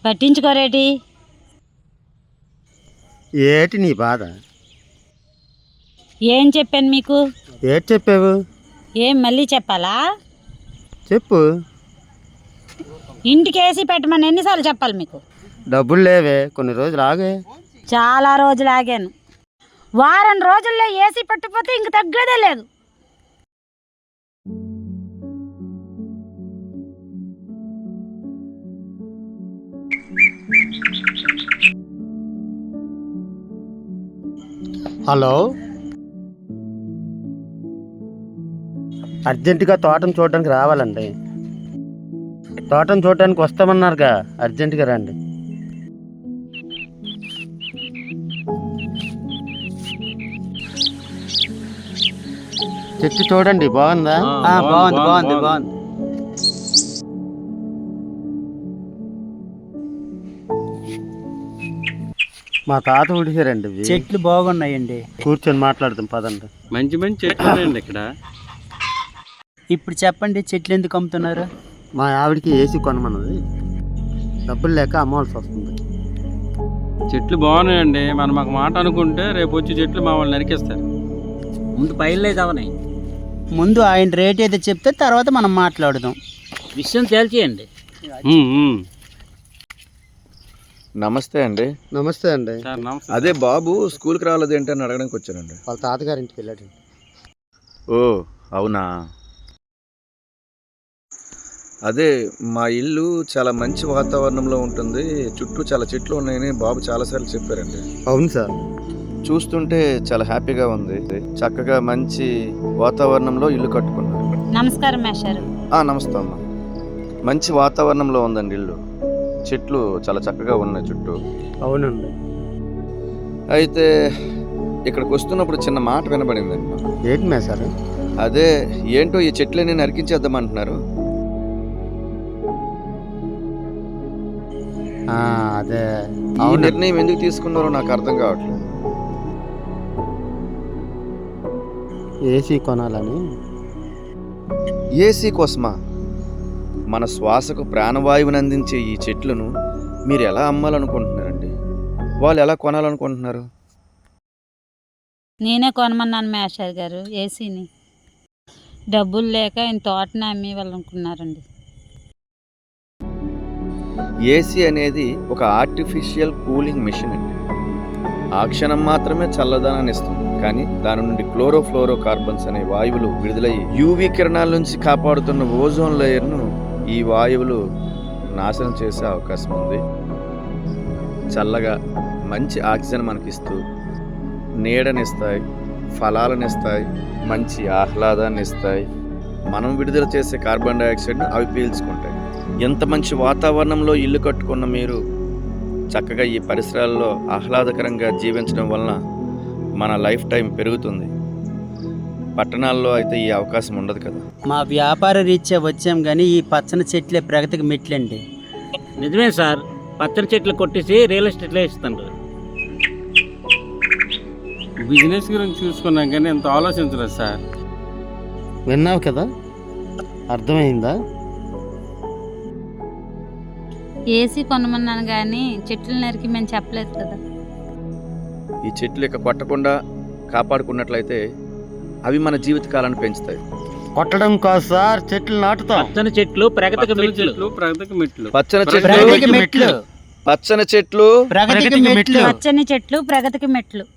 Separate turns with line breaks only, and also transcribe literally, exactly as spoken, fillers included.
పట్టించుకోరేటి?
ఏటి నీ బాధ?
ఏం చెప్పాను మీకు?
ఏటి చెప్పావు?
ఏం మళ్ళీ చెప్పాలా?
చెప్పు.
ఇంటికి ఏసీ పెట్టమని ఎన్నిసార్లు చెప్పాలి మీకు?
డబ్బులు లేవే, కొన్ని రోజులు ఆగే.
చాలా రోజులు ఆగాను. వారం రోజుల్లో ఏసీ పెట్టకపోతే ఇంక తగ్గేదే లేదు.
హలో, అర్జెంటుగా తోటను చూడడానికి రావాలండి. తోటను చూడడానికి వస్తామన్నారుగా, అర్జెంటుగా రండి. చెట్టు చూడండి, బాగుందా?
బాగుంది బాగుంది బాగుంది.
మా తాత ఉడిసారండి.
చెట్లు బాగున్నాయండి.
కూర్చొని మాట్లాడదాం పదండి.
మంచి మంచి చెట్లు ఉన్నాయండి ఇక్కడ.
ఇప్పుడు చెప్పండి, చెట్లు ఎందుకు అమ్ముతున్నారు?
మా ఆవిడకి ఏసీ కొనమన్నది, డబ్బులు లేక అమ్మవలసి వస్తుంది.
చెట్లు బాగున్నాయండి. మనం మాకు మాట అనుకుంటే రేపు వచ్చి చెట్లు మా వాళ్ళు నరికేస్తారు.
ముందు పైలేదు అవనాయి.
ముందు ఆయన రేట్ అయితే చెప్తే తర్వాత మనం మాట్లాడదాం.
విషయం తేల్చేయండి.
నమస్తే అండి.
నమస్తే అండి.
సార్ నమస్తే.
అదే బాబు స్కూల్కి రాలేదు ఏంటి అని అడగడానికి వచ్చానండి.
వాళ్ళ తాతగారి ఇంటికి వెళ్ళాడండి.
ఓ అవునా. అదే మా ఇల్లు చాలా మంచి వాతావరణంలో ఉంటుంది, చుట్టూ చాలా చెట్లు ఉన్నాయని బాబు చాలాసార్లు చెప్పారండి.
అవును సార్.
చూస్తుంటే చాలా హ్యాపీగా ఉంది. చక్కగా మంచి వాతావరణంలో ఇల్లు కట్టుకున్నారు.
నమస్కారం మేషారు.
నమస్తే అమ్మా. మంచి వాతావరణంలో ఉందండి ఇల్లు, చెట్లు చాలా చక్కగా ఉన్నాయి చుట్టూ.
అవునండి.
అయితే ఇక్కడికి వస్తున్నప్పుడు చిన్న మాట వినబడిందండి.
ఏంటి మే సార్?
అదే ఏంటో ఈ చెట్లని నరికించేద్దామంటున్నారు.
అదే
ఈ నిర్ణయం ఎందుకు తీసుకున్నారో నాకు అర్థం కావట్లేదు.
ఏసీ కొనాలని.
ఏసీ కోసమా? మన శ్వాసకు ప్రాణవాయువుని అందించే ఈ చెట్లను మీరు ఎలా అమ్మాలనుకుంటున్నారండి? వాళ్ళు ఎలా కొనాలనుకుంటున్నారు?
నేనే కొనమన్నాను మేషారు గారు ఏసీని. డబ్బులు లేక ఆయన తోటని అమ్మి వాళ్ళనుకున్నారండి.
ఏసీ అనేది ఒక ఆర్టిఫిషియల్ కూలింగ్ మిషన్ అండి. ఆ క్షణం మాత్రమే చల్లదనాన్ని ఇస్తుంది, కానీ దాని నుండి క్లోరోఫ్లోరో కార్బన్స్ అనే వాయువులు విడుదలయ్యి యూవీ కిరణాల నుంచి కాపాడుతున్న ఓజోన్ లేయర్ను ఈ వాయువులు నాశనం చేసే అవకాశం ఉంది. చల్లగా మంచి ఆక్సిజన్ మనకిస్తూ నీడనిస్తాయి, ఫలాలను ఇస్తాయి, మంచి ఆహ్లాదాన్ని ఇస్తాయి. మనం విడుదల చేసే కార్బన్ డైఆక్సైడ్ను అవి పీల్చుకుంటాయి. ఎంత మంచి వాతావరణంలో ఇల్లు కట్టుకున్న మీరు చక్కగా ఈ పరిసరాల్లో ఆహ్లాదకరంగా జీవించడం వలన మన లైఫ్ టైం పెరుగుతుంది. పట్టణాల్లో అయితే ఈ అవకాశం ఉండదు కదా.
మా వ్యాపార రీత్యా వచ్చాం, కానీ ఈ పచ్చని చెట్లే ప్రగతికి మెట్లండి.
నిజమే సార్, పచ్చని చెట్లు కొట్టేసి రియల్ ఎస్టేట్లో ఇస్తాను.
బిజినెస్ గురించి చూసుకున్నాం కానీ ఎంత ఆలోచించలేదు సార్.
విన్నావు కదా, అర్థమైందా?
ఏసీ కొనమన్నాను కానీ చెట్లు నరికి మేము చెప్పలేదు కదా.
ఈ చెట్లు ఇక కొట్టకుండా కాపాడుకున్నట్లయితే అవి మన జీవితకాలాన్ని పెంచుతాయి.
కొట్టడం కాదు సార్, చెట్లు నాటుతాం.
పచ్చని చెట్లు ప్రగతికి మెట్లు.
చెట్లు ప్రగతికి మెట్లు.
పచ్చని
ప్రగతికి
చెట్లు
మెట్లు.
పచ్చని చెట్లు
ప్రగతికి మెట్లు.
పచ్చని చెట్లు ప్రగతికి మెట్లు.